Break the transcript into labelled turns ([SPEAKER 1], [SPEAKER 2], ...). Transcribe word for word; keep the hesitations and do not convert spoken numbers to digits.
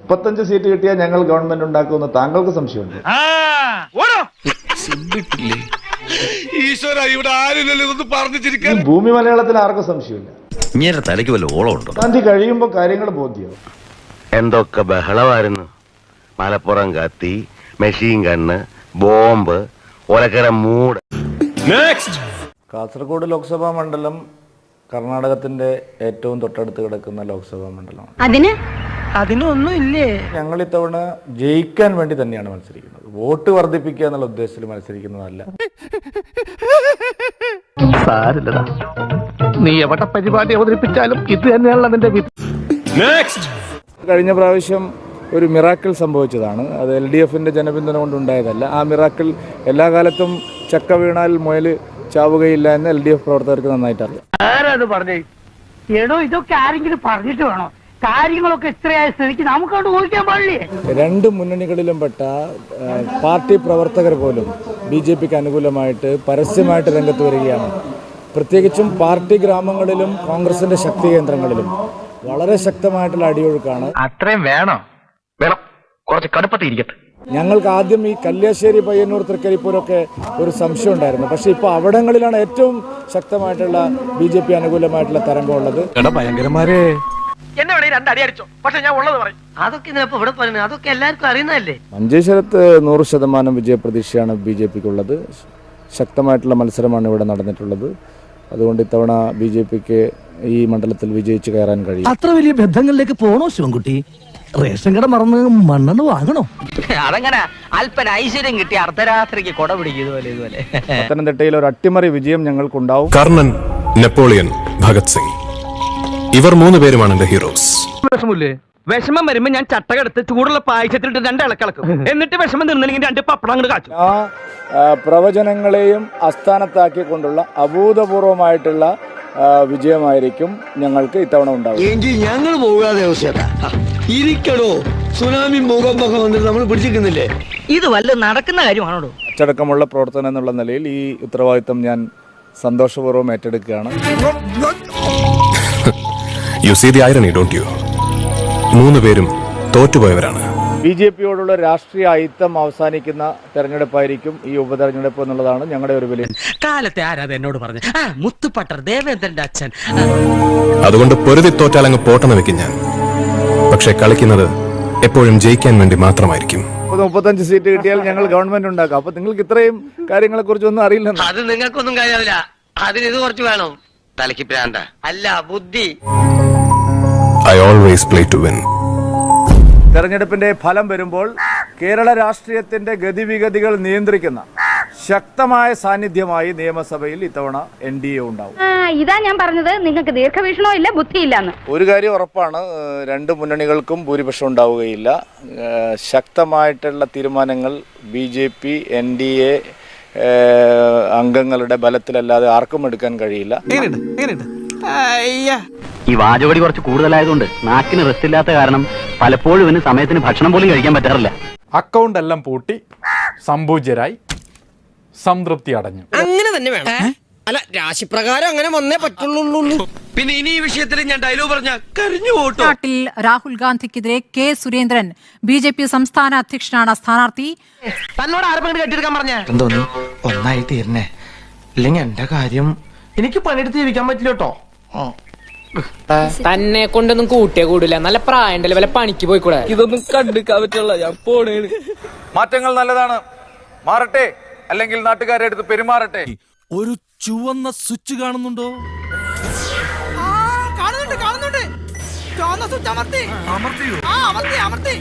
[SPEAKER 1] മുപ്പത്തഞ്ച് സീറ്റ് കിട്ടിയാൽ ഞങ്ങൾ ഗവൺമെന്റ് ഉണ്ടാക്കുമെന്ന് താങ്കൾക്ക് സംശയമുണ്ട്? ഭൂമി മലയാളത്തിൽ ആർക്കും സംശയമില്ല.
[SPEAKER 2] തലയ്ക്ക് വല്ല ഓളമുണ്ടോ?
[SPEAKER 1] ഗാന്ധി കഴിയുമ്പോൾ കാര്യങ്ങൾ ബോധ്യമാവും.
[SPEAKER 3] എന്തൊക്കെ ബഹളമായിരുന്നു. മലപ്പുറം കത്തി, മെഷീൻ ഗണ്ണ്, ബോംബ്, ഒലക്കര മൂട്.
[SPEAKER 1] കാസർഗോഡ് ലോക്സഭാ മണ്ഡലം കർണാടകത്തിന്റെ ഏറ്റവും തൊട്ടടുത്ത് കിടക്കുന്ന ലോക്സഭാ മണ്ഡലമാണ്.
[SPEAKER 4] അതിന് അതിനൊന്നും ഇല്ലേ?
[SPEAKER 1] ഞങ്ങൾ ഇത്തവണ ജയിക്കാൻ വേണ്ടി തന്നെയാണ് മത്സരിക്കുന്നത്. വോട്ട് വർദ്ധിപ്പിക്കുക എന്നുള്ള ഉദ്ദേശത്തിൽ മത്സരിക്കുന്നതല്ല.
[SPEAKER 5] സാരില്ലടാ, നീ എവിടെ പരിപാടി അവതരിപ്പിച്ചാലും ഇത് തന്നെയാണല്ലോ അതിന്റെ വിധി.
[SPEAKER 1] കഴിഞ്ഞ പ്രാവശ്യം ഒരു മിറാക്കിൾ സംഭവിച്ചതാണ്. അത് എൽ ഡി എഫിന്റെ ജനപിന്തുണ കൊണ്ടുണ്ടായതല്ല. ആ മിറാക്കിൾ എല്ലാ കാലത്തും ചക്ക വീണാൽ മുയൽ ചാവുകയില്ല എന്ന് എൽ ഡി എഫ് പ്രവർത്തകർക്ക് നന്നായിട്ട് അറിയാം.
[SPEAKER 5] ആരാണ് പറഞ്ഞേ?
[SPEAKER 4] എടോ, ഇതൊക്കെ ആരെങ്കിലും പറഞ്ഞിട്ട് വേണോ? കാര്യങ്ങളൊക്കെ ഇത്രയായ സ്ഥിതിക്ക് നമുക്കവിടെ ഊഹിക്കാൻ പാടില്ലേ?
[SPEAKER 1] രണ്ട് മുന്നണികളിലും പെട്ട പാർട്ടി പ്രവർത്തകർ പോലും ബി ജെ പിക്ക് അനുകൂലമായിട്ട് പരസ്യമായിട്ട് രംഗത്ത് വരികയാണ്. പ്രത്യേകിച്ചും പാർട്ടി ഗ്രാമങ്ങളിലും കോൺഗ്രസിന്റെ ശക്തി കേന്ദ്രങ്ങളിലും വളരെ ശക്തമായിട്ടുള്ള അടിയൊഴുക്കാണ്.
[SPEAKER 5] അത്രയും വേണോ? വേണം, കുറച്ച് കടുപ്പത്തിരിക്കട്ടെ.
[SPEAKER 1] ഞങ്ങൾക്ക് ആദ്യം ഈ കല്യാശ്ശേരി, പയ്യന്നൂർ, തൃക്കരിപ്പൂരൊക്കെ ഒരു സംശയം ഉണ്ടായിരുന്നു. പക്ഷെ ഇപ്പൊ അവിടങ്ങളിലാണ് ഏറ്റവും ശക്തമായിട്ടുള്ള ബി ജെ പി അനുകൂലമായിട്ടുള്ള തരംഗമുള്ളത്.
[SPEAKER 5] ഭയങ്കരമാരെ
[SPEAKER 6] എന്നെ വേണേ രണ്ടടി അടിച്ചോ, പക്ഷെ ഞാൻ ഉള്ളത് പറയും. അതൊക്കെ ഇതിനപ്പോ ഇവിടെ പറയുന്നത് അതൊക്കെ എല്ലാവർക്കും അറിയുന്നതല്ലേ.
[SPEAKER 1] മഞ്ചേശ്വരത്ത് നൂറ് ശതമാനം വിജയപ്രതീക്ഷയാണ് ബി ജെ പിക്കുള്ളത്. ശക്തമായിട്ടുള്ള മത്സരമാണ് ഇവിടെ നടന്നിട്ടുള്ളത്. അതുകൊണ്ട് ഇത്തവണ ബി ജെ പിക്ക് ഈ മണ്ഡലത്തിൽ വിജയിച്ച് കയറാൻ കഴിയും.
[SPEAKER 7] അത്ര വലിയ ബന്ധങ്ങളിലേക്ക് പോണോ ശിവൻകുട്ടി? റേഷൻ കട മറന്ന് മണ്ണെണ്ണ വാങ്ങണോ?
[SPEAKER 6] അതങ്ങനെ അല്പന ഐശ്വര്യം കിട്ടി അർദ്ധരാത്രിക്ക് കൊട പിടിക്കും. ഇതുപോലെ ഇതുപോലെ
[SPEAKER 1] പത്തനംതിട്ടയിൽ ഒരു അട്ടിമറി വിജയം ഞങ്ങൾക്കുണ്ടാവും.
[SPEAKER 8] കർണൻ, നെപ്പോളിയൻ, ഭഗത് സിംഗ്, ഇവർ മൂന്ന് പേരുമാണ് എന്റെ ഹീറോസ്.
[SPEAKER 6] വിഷമില്ലേ? വിഷമം വരുമ്പോ ഞാൻ ചട്ടകെടുത്ത് ചൂടുള്ള പായസത്തിലിട്ട് രണ്ട് ഇളക്കിളക്കും. എന്നിട്ട് വിഷമം തീർന്നില്ലെങ്കിൽ രണ്ട് പപ്പടം അങ്ങോട്ട് കാച്ചു.
[SPEAKER 1] ആ പ്രവചനങ്ങളെയും അസ്ഥാനത്താക്കിക്കൊണ്ടുള്ള അഭൂതപൂർവമായിട്ടുള്ള വിജയമായിരിക്കും ഞങ്ങൾക്ക് ഇത്തവണ ഉണ്ടാവും.
[SPEAKER 7] എങ്കിൽ ഞങ്ങൾ പോകാതെ ഇരിക്കണോ? സുനാമി ഭൂകമ്പൊക്കെ വന്നിട്ട് നമ്മൾ പിടിച്ചിരിക്കുന്നില്ലേ?
[SPEAKER 6] ഇത് വല്ല നടക്കുന്ന കാര്യമാണോ?
[SPEAKER 1] അച്ചടക്കമുള്ള പ്രവർത്തനം എന്നുള്ള നിലയിൽ ഈ ഉത്തരവാദിത്തം ഞാൻ സന്തോഷപൂർവ്വം ഏറ്റെടുക്കുകയാണ്.
[SPEAKER 8] You see the irony, don't you? മൂന്ന് പേരും തോറ്റുപോയവരാണ്.
[SPEAKER 1] ബി ജെ പിയോടുള്ള രാഷ്ട്രീയ അയിത്തം അവസാനിക്കുന്ന തെരഞ്ഞെടുപ്പായിരിക്കും ഈ ഉപതെരഞ്ഞെടുപ്പ് എന്നുള്ളതാണ് ഞങ്ങളുടെ ഒരു വിലയിരുത്തൽ.
[SPEAKER 6] കാലത്തെ ആരാധ എന്നോട് പറഞ്ഞു, മുത്തുപട്ടർ ദേവേന്ദ്രന്റെ അച്ഛൻ.
[SPEAKER 8] അതുകൊണ്ട് പൊരുതി തോറ്റാലങ്ങ് പോട്ടെന്ന് വെക്കും ഞാൻ. പക്ഷെ കളിക്കുന്നത് എപ്പോഴും ജയിക്കാൻ വേണ്ടി മാത്രമായിരിക്കും.
[SPEAKER 1] മുപ്പത്തഞ്ച് സീറ്റ് കിട്ടിയാൽ ഞങ്ങൾ ഗവൺമെന്റ് ഉണ്ടാക്കാം. അപ്പൊ നിങ്ങൾക്ക് ഇത്രയും കാര്യങ്ങളെ കുറിച്ച് ഒന്നും അറിയില്ല.
[SPEAKER 6] അത് നിങ്ങൾക്കൊന്നും കാര്യമില്ല. അതിന് ഇത് കുറച്ച് വേണം. തലയ്ക്ക് പ്രാന്ത അല്ല, ബുദ്ധി.
[SPEAKER 8] I always play to win.
[SPEAKER 1] തെരഞ്ഞെടുപ്പിന്റെ ഫലം വരുമ്പോൾ കേരള രാഷ്ട്രീയത്തിന്റെ ഗതിവിഗതികൾ നിയന്ത്രിക്കുന്ന ശക്തമായ സാന്നിധ്യമായി നിയമസഭയിൽ ഇത്തവണ എൻ ഡി എ ഉണ്ടാവും.
[SPEAKER 4] ഇതാ ഞാൻ പറഞ്ഞത്, നിങ്ങൾക്ക് ദീർഘവീക്ഷണോ ഇല്ല, ബുദ്ധിയില്ലാന്ന്.
[SPEAKER 1] ഒരു കാര്യം ഉറപ്പാണ്, രണ്ട് മുന്നണികൾക്കും ഭൂരിപക്ഷം ഉണ്ടാവുകയില്ല. ശക്തമായിട്ടുള്ള തീരുമാനങ്ങൾ B J P N D A അംഗങ്ങളുടെ ബലത്തിലല്ലാതെ ആർക്കും എടുക്കാൻ കഴിയില്ല.
[SPEAKER 2] ഈ വാചകടി കുറച്ച് കൂടുതലായതുകൊണ്ട് നാക്കിന് റെസ്റ്റ് ഇല്ലാത്ത കാരണം പലപ്പോഴും ഇവന് സമയത്തിന് ഭക്ഷണം പോലും കഴിക്കാൻ പറ്റാറില്ല.
[SPEAKER 9] അക്കൗണ്ട് എല്ലാം പൂട്ടി സംപൂജ്യരായി സംതൃപ്തി അടഞ്ഞു.
[SPEAKER 6] അങ്ങനെ തന്നെ വേണം. അല്ല, രാശിപ്രകാരം അങ്ങനെ വന്നേ പറ്റുള്ളൂ. പിന്നെ ഇനി ഈ വിഷയത്തിൽ ഞാൻ ഡയലോഗ് പറഞ്ഞ കരഞ്ഞു പോട്ടോ.
[SPEAKER 10] നാട്ടിൽ രാഹുൽ ഗാന്ധിക്കെതിരെ K Surendran, B J P സംസ്ഥാന അധ്യക്ഷനാണ് സ്ഥാനാർത്ഥി.
[SPEAKER 6] തന്നോട് ആരെങ്കിലും കെട്ടിയെടുക്കാൻ പറഞ്ഞ
[SPEAKER 7] എന്തോന്നു ഒന്നായി തീർന്നേ, ഇല്ലെങ്കിൽ എന്റെ കാര്യം എനിക്ക് പണിയെടുത്ത് ജീവിക്കാൻ പറ്റില്ല കേട്ടോ.
[SPEAKER 6] തന്നെ കൊണ്ടൊന്നും കൂട്ടിയേ കൂടില്ല. നല്ല പ്രായണ്ടല്ലേ, വല്ല പണിക്ക് പോയിക്കൂടെ? ഇതൊന്നും കണ്ടുക്കാൻ പറ്റുള്ള. ഞാൻ പോണേണ്.
[SPEAKER 1] മാറ്റങ്ങൾ നല്ലതാണ്, മാറട്ടെ, അല്ലെങ്കിൽ നാട്ടുകാരെ അടുത്ത് പെരുമാറട്ടെ.
[SPEAKER 7] ഒരു ചുവന്ന സ്വിച്ച് കാണുന്നുണ്ടോ?
[SPEAKER 6] കാണുന്നുണ്ട് കാണുന്നുണ്ട്. ചുവന്ന സ്വിച്ച് അമർത്തി. അമർത്തിയോ? ആ, അമർത്തി അമർത്തി.